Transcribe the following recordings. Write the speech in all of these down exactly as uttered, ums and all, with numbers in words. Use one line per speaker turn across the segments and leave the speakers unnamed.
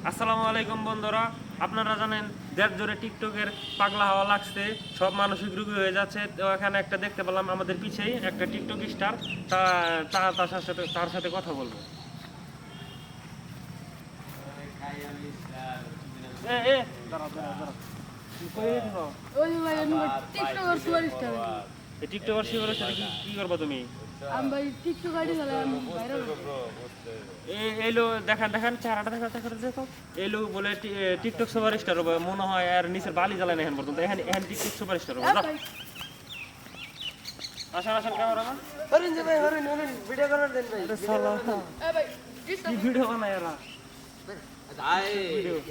আসসালামু আলাইকুম বন্ধুরা, আপনারা জানেন দেশ জুড়ে টিকটকের পাগলা হওয়া লাগছে, সব মানসিক রোগী হয়ে যাচ্ছে। তো এখানে একটা দেখতে পেলাম আমাদের পিছেই একটা টিকটক স্টার, তা তা- তার সাথে তার সাথে কথা বলবো। এ এ দাঁড়াও দাঁড়াও দাঁড়াও কি করে দেখো
ওই ভাই আমি টিকটকার সুপারস্টার
এই টিকটকার শিবরের সাথে কি কি করবা তুমি?
আমি ভাই টিকটক আইডি চালাই আমি ভাইরাল
এই এলো দেখান দেখান চেহারাটা দেখা দেখা দেখো। এলো বলে টি- এ, টিকটক সুপারস্টার হবে মনে হয়, আর নিচের বালি জ্বালায় না এখন পর্যন্ত। এখন এখন টিকটক সুপারস্টার হবে। যাও। আসেন আসেন ক্যামেরাম্যান।
হরিণ যে ভাই হরিণ হরিণ ভিডিও করার দেন ভাই
আরে শালা
এ ভাই
কি ভিডিও বানায় এরা? ভিডিও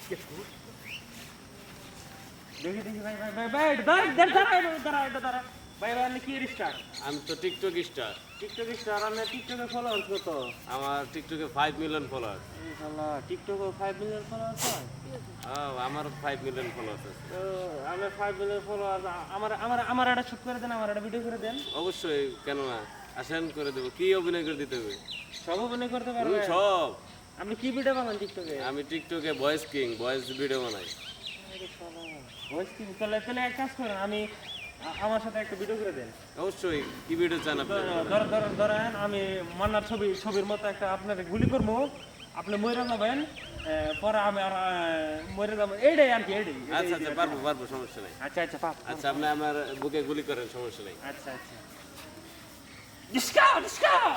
দেখি দেখি ভাই ভাই ভাই ভাই দাঁড়া দাঁড়া দাঁড়া দাঁড়া দাঁড়া ভাই ভাই আপনি কি স্টার?
আমি তো টিকটক স্টার।
টিকটক স্টার আপনি টিকটকে ফলোয়ার্স কত?
আমার টিকটকে ফাইভ মিলিয়ন ফলোয়ার।
এই শালা টিকটকে ফাইভ মিলিয়ন ফলোয়ার্স হয়?
আমার ফাইভ মিলিয়ন ফলোয়ার আছে।
তো আমি ফাইভ মিলিয়ন ফলোয়ার, আমার আমার আমার একটা শুট করে দেন, আমার একটা ভিডিও করে দেন।
অবশ্যই, কেন না, আসেন করে দেবো। কি অভিনয় করে দিতে হবে?
সব অভিনয় করতে
হুম,
পারবেন?
সব।
আপনি কি ভিডিও বানান টিকটকে?
আমি টিকটকে ভয়েস কিং, ভয়েস ভিডিও বানাই।
ভয়েস কি? তাহলে তাহলে এক কাজ করেন, আমি আ- আমার সাথে একটা ভিডিও করে দেন।
অবশ্যই, কি ভিডিও চান আপনি?
ধর ধর ধরেন আমি মান্নার ছবি ছবির মতো একটা আপনার গুলি করবো, আপনি মরে যাবেন, এ, পরে আমি আর আ, মরে যাবো, এইটাই আর কি, এইটাই এইটাই,
আচ্ছা আচ্ছা,
এইটাই।
পারবো পারবো, সমস্যা নেই।
আচ্ছা আচ্ছা পাপ
আচ্ছা, আপনি আমার বুকে গুলি করেন, সমস্যা নেই।
আচ্ছা আচ্ছা ডিসকাউ ডিসকাউ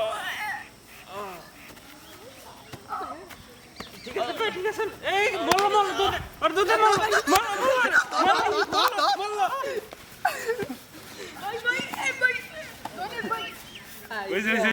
ঠিক আছে ভাই, ঠিক আছে। এই বলো বলো দুধ আর দুধে বলো বলো বলো বলো
ভাই ভাই এই ভাই অনেক ভাই
ওই যে